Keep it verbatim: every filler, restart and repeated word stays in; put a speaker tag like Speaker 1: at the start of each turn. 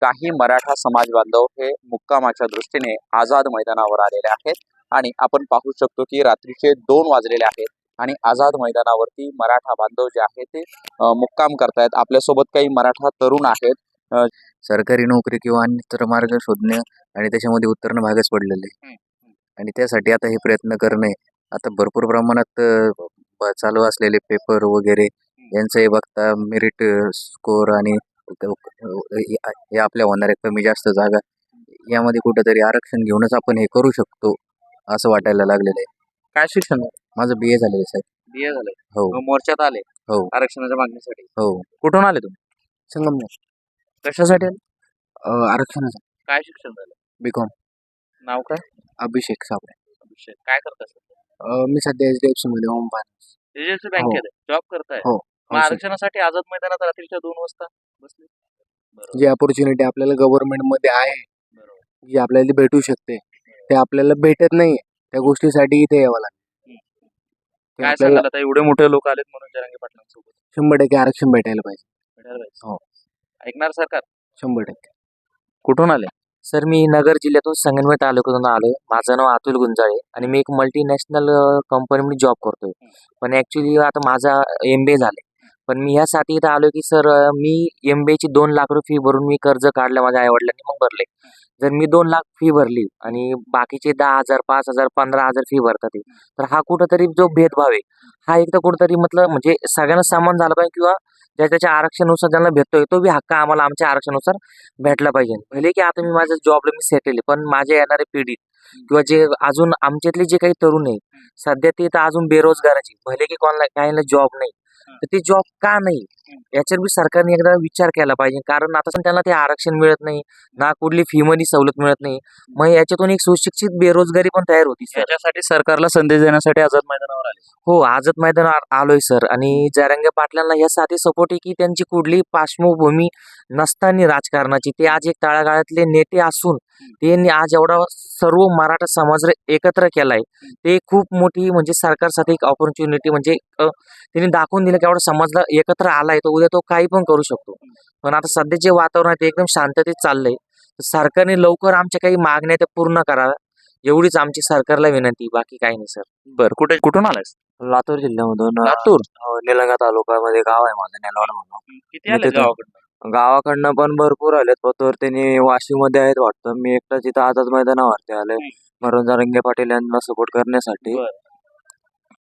Speaker 1: काही मराठा समाज बांधव हे मुक्कामाच्या दृष्टीने आझाद मैदानावर आलेले आहेत आणि आपण पाहू शकतो की रात्रीचे दोन वाजलेले आहेत आणि आझाद मैदानावरती मराठा बांधव जे आहेत ते मुक्काम करतायत। आपल्यासोबत काही मराठा तरुण आहेत।
Speaker 2: सरकारी नोकरी किंवा अन्यत्र मार्ग शोधणे आणि त्याच्यामध्ये उतरणं भागच पडलेले आणि त्यासाठी आता हे प्रयत्न करणे आता भरपूर प्रमाणात चालू असलेले पेपर वगैरे यांचंही बघता मेरिट स्कोर आणि हे आपल्या होणाऱ्या कमी जास्त जागा यामध्ये कुठेतरी आरक्षण घेऊनच आपण हे करू शकतो असं वाटायला लागलेलं आहे।
Speaker 1: काय शिक्षण?
Speaker 2: माझं बी ए झालेलं साहेब।
Speaker 1: बी ए झालंय?
Speaker 2: हो।
Speaker 1: मोर्चात आले?
Speaker 2: हो।
Speaker 1: आरक्षणाच्या मागणीसाठी?
Speaker 2: हो।
Speaker 1: कुठून आले तुम्ही?
Speaker 2: संगमनेर।
Speaker 1: कशासाठी आले?
Speaker 2: आरक्षणाचं।
Speaker 1: काय शिक्षण झालं?
Speaker 2: बी कॉम।
Speaker 1: नाव काय?
Speaker 2: अभिषेक साबळे।
Speaker 1: अभिषेक, काय करता सध्या?
Speaker 2: मी सध्या एच डी एफ सी मध्ये home finance.
Speaker 1: H D F C बँकेत जॉब करताय?
Speaker 2: हो।
Speaker 1: मग आरक्षणासाठी आझाद मैदानात रात्रीच्या दोन वाजता बसले?
Speaker 2: जी अपॉर्च्युनिटी आपल्याला गव्हर्नमेंट मध्ये आहे, जी आपल्याला भेटू शकते, ते आपल्याला भेटत नाही। त्या गोष्टीसाठी इथे यावं लागतं।
Speaker 1: काय सांगाल आता एवढे मोठे लोक आलेत म्हणून जरांगे पाटलांसोबत?
Speaker 2: शंभर टक्के आरक्षण भेटायला पाहिजे।
Speaker 1: भेटायला पाहिजे?
Speaker 2: हो।
Speaker 1: ऐकणार सरकार?
Speaker 2: शंभर टक्के।
Speaker 1: कुठून आले?
Speaker 3: सर मी नगर जिल्ह्यातून संगमनेर तालुक्यातून आलोय। माझं नाव अतुल गुंजाळे आणि मी एक मल्टीनॅशनल कंपनीमध्ये जॉब करतोय। पण ॲक्च्युली आता माझा एम बी ए झाले, पण मी ह्यासाठी इथं आलो की सर मी एम बी एची दोन लाख रुपये फी भरून मी कर्ज काढलं माझ्या आईवडिलांनी, मग भरले। जर मी दोन लाख फी भरली आणि बाकीचे दहा हजार पाच हजार पंधरा हजार फी भरतात, तर हा कुठंतरी जो भेदभाव आहे हा एकदा कुठंतरी मतलब म्हणजे सगळ्यांना समान झाला पाहिजे किंवा ज्या त्याच्या आरक्षणानुसार ज्यांना भेटतोय तो बी हक्क आम्हाला आमच्या आरक्षणानुसार भेटला पाहिजे। भले की आता मी माझ्या जॉबला मी सेटल आहे, पण माझ्या येणाऱ्या पिढीत किंवा जे अजून आमच्यातले जे काही तरुण आहे सध्या ते तर अजून बेरोजगाराचे, भले की कोणाला काहींना जॉब नाही, तर ते जॉब का नाही याच्यावर बी सरकारने एकदा विचार केला पाहिजे। कारण आता त्यांना ते आरक्षण मिळत नाही ना, कुठली फी मध्ये सवलत मिळत नाही, मग याच्यातून एक सुशिक्षित बेरोजगारी पण तयार होती।
Speaker 1: याच्यासाठी सरकारला संदेश देण्यासाठी आझाद मैदानावर आले?
Speaker 3: हो, आझाद मैदानावर आलोय सर। आणि जरांगे पाटलांना यासाठी सपोर्ट आहे की त्यांची कुठली पार्श्वभूमी नसताना राजकारणाची ते आज एक तळागाळातले नेते असून त्यांनी आज एवढा सर्व मराठा समाज एकत्र केलाय, ते खूप मोठी म्हणजे सरकारसाठी एक ऑपॉर्च्युनिटी म्हणजे त्यांनी दाखवून दिलं की एवढा समाजला एकत्र आलाय तर उद्या तो काही पण करू शकतो। पण आता सध्या जे वातावरण आहे ते एकदम शांततेत चाललंय, सरकारने लवकर आमच्या काही मागण्या त्या पूर्ण कराव्या एवढीच आमची सरकारला विनंती, बाकी काही नाही सर।
Speaker 1: बरं, कुठे कुठून आलायस?
Speaker 2: लातूर जिल्ह्यामधून।
Speaker 1: लातूर?
Speaker 2: निलंगा तालुक्यामध्ये गाव आहे माझं नेलवाड म्हणून।
Speaker 1: किती आले गावाकडनं?
Speaker 2: गावाकडनं पण भरपूर आलेत, पण त्यांनी वाशीमध्ये आहेत वाटतं। मी एकटाच इथं आझाद मैदानावरती आलोय म्हणून जरांगे पाटील यांना सपोर्ट करण्यासाठी।